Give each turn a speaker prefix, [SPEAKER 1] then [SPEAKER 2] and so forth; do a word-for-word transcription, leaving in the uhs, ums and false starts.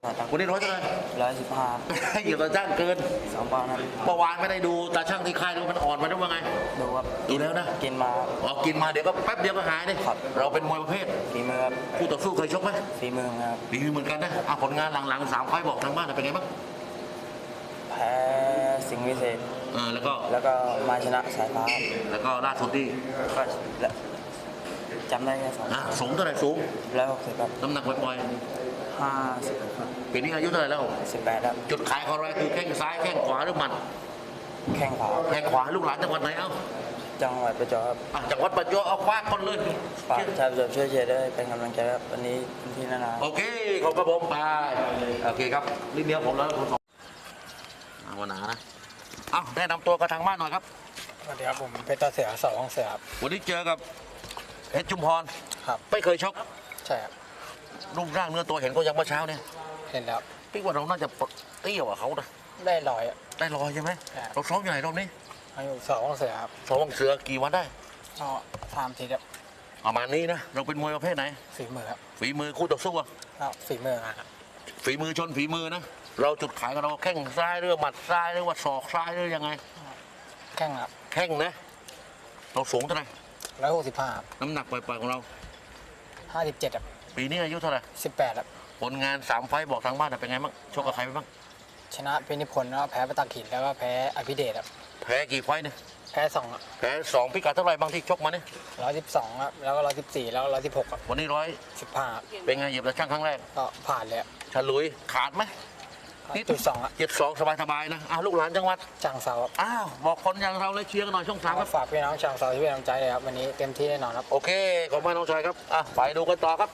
[SPEAKER 1] วันนี้ร้อยเท่าไหร่
[SPEAKER 2] ร้อยสิบห้า
[SPEAKER 1] เหยียบตาช่างเกิน
[SPEAKER 2] สองปอนด์ครับ
[SPEAKER 1] เมื่อวานไม่ได้ดูตาช่างที่ค่ายดูมันอ่อนมาด้วยว่าไง
[SPEAKER 2] ดูครับ
[SPEAKER 1] ดูแล้วนะ
[SPEAKER 2] กินมา
[SPEAKER 1] อ๋อกินมาเดี๋ยวก็แป๊บเดียวก็หายเลย
[SPEAKER 2] ครับ
[SPEAKER 1] เราเป็นมวยประเภท
[SPEAKER 2] ฝีมือครับ
[SPEAKER 1] คู่ต่อสู้เคยชกไหม
[SPEAKER 2] ฝีมือครับ
[SPEAKER 1] ดีเหมือนกันนะอ่ะผลงานหลังๆสามไฟล์บอกทางบ้านเป็นไงบ้าง
[SPEAKER 2] แพ้สิงห์วิเศษ
[SPEAKER 1] เออแล้วก็
[SPEAKER 2] แล้วก็มาชนะสายฟ้า
[SPEAKER 1] แล้วก็ล่าสุดที่
[SPEAKER 2] ก็และจำได้แค่สอง
[SPEAKER 1] อ่ะสูงเท่าไหร่สูง
[SPEAKER 2] แล้วหกสิบครับ
[SPEAKER 1] น้ำหนักปล่อย
[SPEAKER 2] ห้าสิบครับ
[SPEAKER 1] ๆปีนี้อายุเท่าไหร่แล้ว
[SPEAKER 2] สิบแปดครับ
[SPEAKER 1] จุดขายของเราคือแข้งซ้ายแข้งขวาหรือหมัด
[SPEAKER 2] แข้งขวา
[SPEAKER 1] แข้งขวาลูกหลานจังหวัดไหนเอ้า
[SPEAKER 2] จังหวัดประจวบครับ
[SPEAKER 1] อ่ะจังหวัดประจวบเอาคว้าคนเลย
[SPEAKER 2] ฝากชาวประจวบช่วยเชียร์ด้วยเป็นกำลังใจครับวันนี้เป็นที่นานา
[SPEAKER 1] โอเคขอบกระผมไปโอเคครับนิดเดียวผมแล้วคุณสองเอาวันหนานะเอาแนะนำตัวกับทางบ้านหน่อยครับ
[SPEAKER 3] สวัสดีครับผมเพชรตาเสียสองเสียครับ
[SPEAKER 1] วันนี้เจอกับเพชรจุมพร
[SPEAKER 3] ครับ
[SPEAKER 1] ไม่เคยชก
[SPEAKER 3] ใช่ครับ
[SPEAKER 1] รูปร่างเนื้อตัวเห็นก็ยังเมื่อเช้าเนี่ย
[SPEAKER 3] เห็นแล้ว
[SPEAKER 1] พี่ว่าเราน่าจะเตี้ยกว่าเขานะ
[SPEAKER 3] ได้ลอยอะ
[SPEAKER 1] ได้รอยใช่ไหม
[SPEAKER 3] ครับ
[SPEAKER 1] เราซ้อมอยู่ไหนรอบนี้
[SPEAKER 3] อายุสองเสียครับ
[SPEAKER 1] ซ้อมเสือกี่วันได้
[SPEAKER 3] ก็ทำทีครับ
[SPEAKER 1] ประมาณนี้นะเราเป็นมวยประเภทไหน
[SPEAKER 3] ฝีมือครับ
[SPEAKER 1] ฝีมือคู่ต่อสู้อะ
[SPEAKER 3] ก็ฝีมือครับ
[SPEAKER 1] ฝีมือชนฝีมือนะเราจุดขายของเราแข้งซ้ายหรือหมัดซ้ายหรือว่าศอกซ้ายหรือยังไง
[SPEAKER 3] แข้งครับ
[SPEAKER 1] แข้งนะเราสูงเท่าไหร่
[SPEAKER 3] ร้อยหกสิบห้า
[SPEAKER 1] น้ำหนักปล่อยๆของเรา
[SPEAKER 3] ห้าสิบเจ็ดครับ
[SPEAKER 1] ปีนี้อายุเท่าไหร่
[SPEAKER 3] สิบแปดครับ
[SPEAKER 1] ผลงานสามไฟต์บอกทางบ้านเป็นไงบ้างชกกับใครไปบ้าง
[SPEAKER 3] ชนะเพชรนิพนธ์แล้วก็แพ้ประตักหินแล้วก็แพ้อภิเดชครับ
[SPEAKER 1] แพ้กี่ไฟต์เนี่ย
[SPEAKER 3] แพ้สองครับ
[SPEAKER 1] แพ้สองพิกัดเท่าไหร่บางที่ชกมาเนี่ย
[SPEAKER 3] ร้อยสิบสองครับแล้วก็ร้อยสิบสี่แล้วก็ร้อยสิบหกครับ
[SPEAKER 1] วันนี้ร้อย
[SPEAKER 3] สิบห้า
[SPEAKER 1] เป็นไงเหยียบตะช่างครั้งแรก
[SPEAKER 3] ก็ผ่านเลยครับ
[SPEAKER 1] ฉลุยขาดไหม
[SPEAKER 3] จุดสองครับ
[SPEAKER 1] เจ็ดสองสบายๆนะอ้าวลูกหลานจังหวัด
[SPEAKER 3] จังเซาครับ
[SPEAKER 1] อ้าวบอกคนอย่างเราเลยเชียร์กันหน่อยช่องสามครับ
[SPEAKER 3] ฝากพี่น้องจังเซาที่เป็นกำลังใจเลยครับวันนี้เต็มที่แน่นอนครับ
[SPEAKER 1] โอเคขอบคุณมากน้องชายครับอ่ะไปดูกันต่อครับ